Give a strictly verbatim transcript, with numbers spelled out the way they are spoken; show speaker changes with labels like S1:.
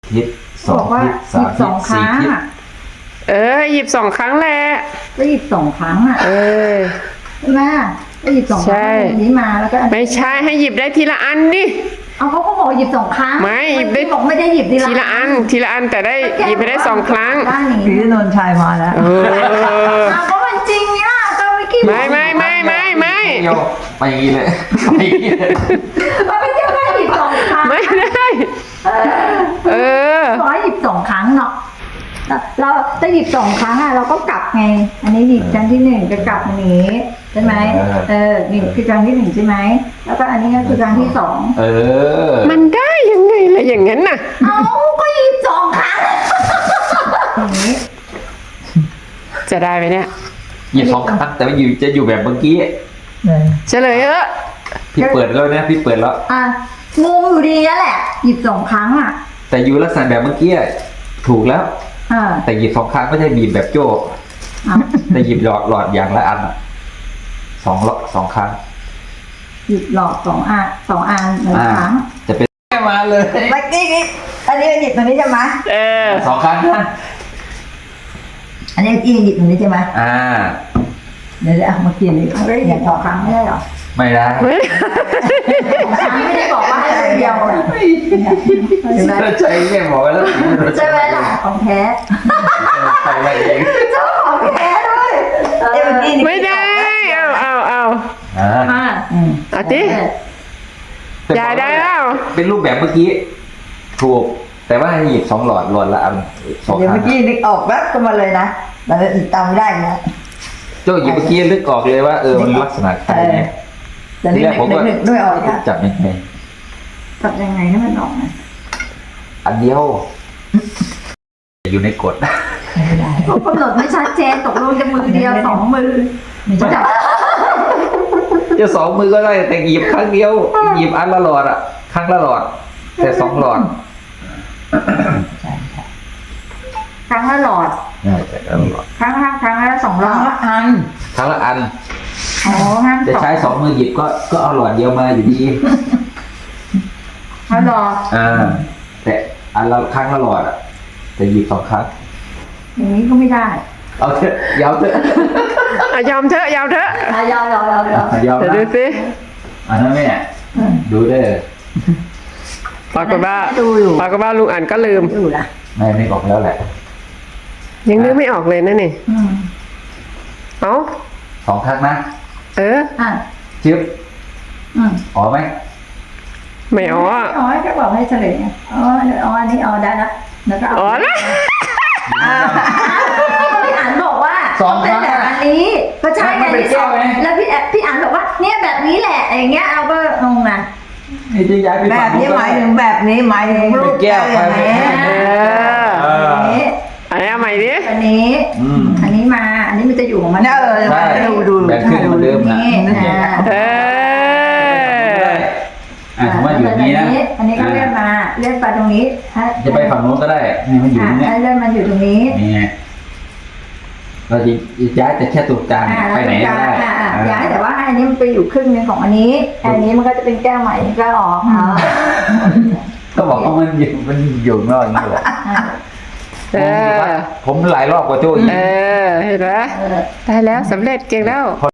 S1: ฮิตสองฮิตสามฮิตสี่ฮิต
S2: เออหยิบสองครั้งแหละ
S3: ก็หยิบสองครั้งอ่ะ
S2: เออ
S3: ใช่ไหมก็หยิบสองครั้งอันนี้มาแล้วก็
S2: ไม่ใช่ให้หยิบได้ทีละอันดิ
S3: เอาเขาก็บอกหยิบสองครั้ง
S2: ไม่หยิบได้
S3: บอกไม่ได้หยิบที
S2: ละอันทีละอันแต่ได้หยิบไปได้สองครั้ง
S4: พี่นนท์ชัยมาแล้ว
S2: เออ
S3: เอาก็มันจริงเนี่ยก็ไม่คิด
S2: ไม่ไม่ไม่ไม่ไม่
S1: โยไปเลยไปเลย
S3: มันไม่ใช่แค่หยิบสองครั้ง
S2: ไม่ได้เออ
S3: ร้อยหยิบสองครั้งเนาะเราจะหยิบสองครั้งอ่ะเราก็กลับไงอันนี้หยิบครั้งที่หนึ่งจะกลับอันนี้ใช่ไหมเออนี่คือครั้งที่หนึ่งใช่ไหมแล้วก็อันนี้ก็คือครั้งที่สอง
S1: เออ
S2: มันได้ยังไงล่ะอย่างนั้นน่ะ
S3: เอาก็หยิบสองครั้งอย่างนี้
S2: จะได้ไหมเนี่ย
S1: หยิบสองครั้งแต่ว่าอยู่จะอยู่แบบเมื่อกี้
S2: เฉลยเออ
S1: พี่เปิดแล้วนะพี่เปิดแล้ว
S3: อ่ะงงอยู่ดีนั่นแหละหยิบสองครั้งอ่ะ
S1: แต่อยู่ลักษณะแบบเมื่อกี้ถูกแล้วแต่หยิบสองครั้งไม่ใช่บีบแบบโจ้แต่หยิบหลอดหลอดอย่างละอันสองหลอดสองครั้ง
S3: หยิบหลอดสองอันสองอันหนึ่งครั้ง
S1: จะเป็นแค่มาเลย
S3: เมื่อกี้นี้อันนี้หยิบตรงนี้ใช่ไหม
S2: เออ
S1: สองครั้งนะ
S3: อันนี้อีหยิบตรงนี้ใช่ไหม
S1: อ่า
S3: เดี๋ยวเอามากินอีกหยิบสองครั้งไม่ได้หรอ
S1: ไม่ได้
S3: ไม่ได้บอกว่าให้เดียวเลย
S1: ใช่แม่บอกไว้แล้ว
S3: ใช่ไหมล่ะของแท้
S1: ใช่ไหมเอง
S3: เจ้าของแท้ด้วย
S2: ไม่ได้เอาเอาเอา
S1: อ่า
S2: เอาดิอย่าได้แล้ว
S1: เป็นรูปแบบเมื่อกี้ถูกแต่ว่าให้หยิบสองหลอดหลอดละอัน
S4: สองครั้งเดี๋ยวเมื่อกี้นึกออกแวบก็มาเลยนะแต่จำไม่ได้นะ
S1: โจ้หยิบเมื่อกี้นึกออกเลยว่าเออมันลักษณะใครเนี่ย
S4: ทีแรกผมก็ด้วยออก
S1: จับยังไง
S3: จับยังไงให้มันออกนะ
S1: อันเดียวอยู่ในกฎ
S3: ไม่ได้เขากำหนดไม่ชัดเจนตกลงจะมือเดียวสองมือจับ
S1: จะสองมือก็ได้แต่หยิบครั้งเดียวหยิบอันละหลอดอ่ะครั้งละหลอดแต่สองหลอด
S3: ครั้งละหลอดครั้งละครั้งละสองหลอด
S4: อัน
S1: ครั้งละอัน
S3: อ๋อ
S1: จะใช้สองมือหยิบก็ก็เอาหลอดเดียวมาอยู่ดี
S3: เอาหลอด
S1: อ่าแต่อันละครั้งละหลอดอ่ะแต่หยิบสองครั้ง
S3: อย่างนี้ก็ไม่ได้
S1: เอาเถอะยาวเถอะ
S2: ยอมเถอะยอมเถอะ
S3: ยอมยอมยอมยอม
S1: ยอม
S2: เดี๋ยวดูสิ
S1: อันนั้นแม่ดูเด้อ
S2: ปรากฏว่าปรากฏว่าลุงอ่านก็ลืม
S1: ไม่ไม่ออกแล้วแหละ
S2: ยังนึกไม่ออกเลยนั่นนี่เอ้า
S1: สองครั้งนะ
S2: เออ
S3: อ่ะ
S1: จิ๊บอ๋อไหม
S2: ไม่อ๋อ
S3: อ๋อจะบอกให้เฉลยอ๋ออ๋ออันนี้อ๋อได้แล้วแล้วก็
S2: อ๋อนะ
S3: พี่อ่านบอกว่าเป็นแบบอันนี้ก็ใช่ไงที่สองแล้วพี่พี่อ่านบอกว่าเนี่ยแบบนี้แหละอย่างเงี้ยเราก็งงนะ
S4: แบบนี้หมายถึงแบบนี้หมายถึงรูป
S1: แก้ว
S4: อย่างนี้
S2: อันนี้ใหม่ดิ
S3: อันนี้อันนี้มาอันนี้มันจะอยู่ของมัน
S4: เออดูดู
S1: แบบขึ้นเหมือนเดิมนะ
S2: เออ
S1: อ่ะว่าอยู่นี้นะ
S3: อันนี้ก็เลื่อนมาเลื่อนไปตรงนี้
S1: จะไปฝั่งโน้นก็ได้นี่มันอยู่ตรงนี้
S3: เลื่อนมันอยู่ตรงนี้
S1: นี่เราจะย้ายแต่แค่ตรงกลางไปไหนก็ได้
S3: ย้ายแต่ว่าอันนี้มันไปอยู่ครึ่งนึงของอันนี้อันนี้มันก็จะเป็นแก้วใหม่ก็ออก
S1: ก็บอกว่ามันอยู่มันอยู่นอกอย่างนี้แหละผมหลายรอบกว่าโจ้อีก
S2: เออเห็นไหมได้แล้วสำเร็จเก่งแล้ว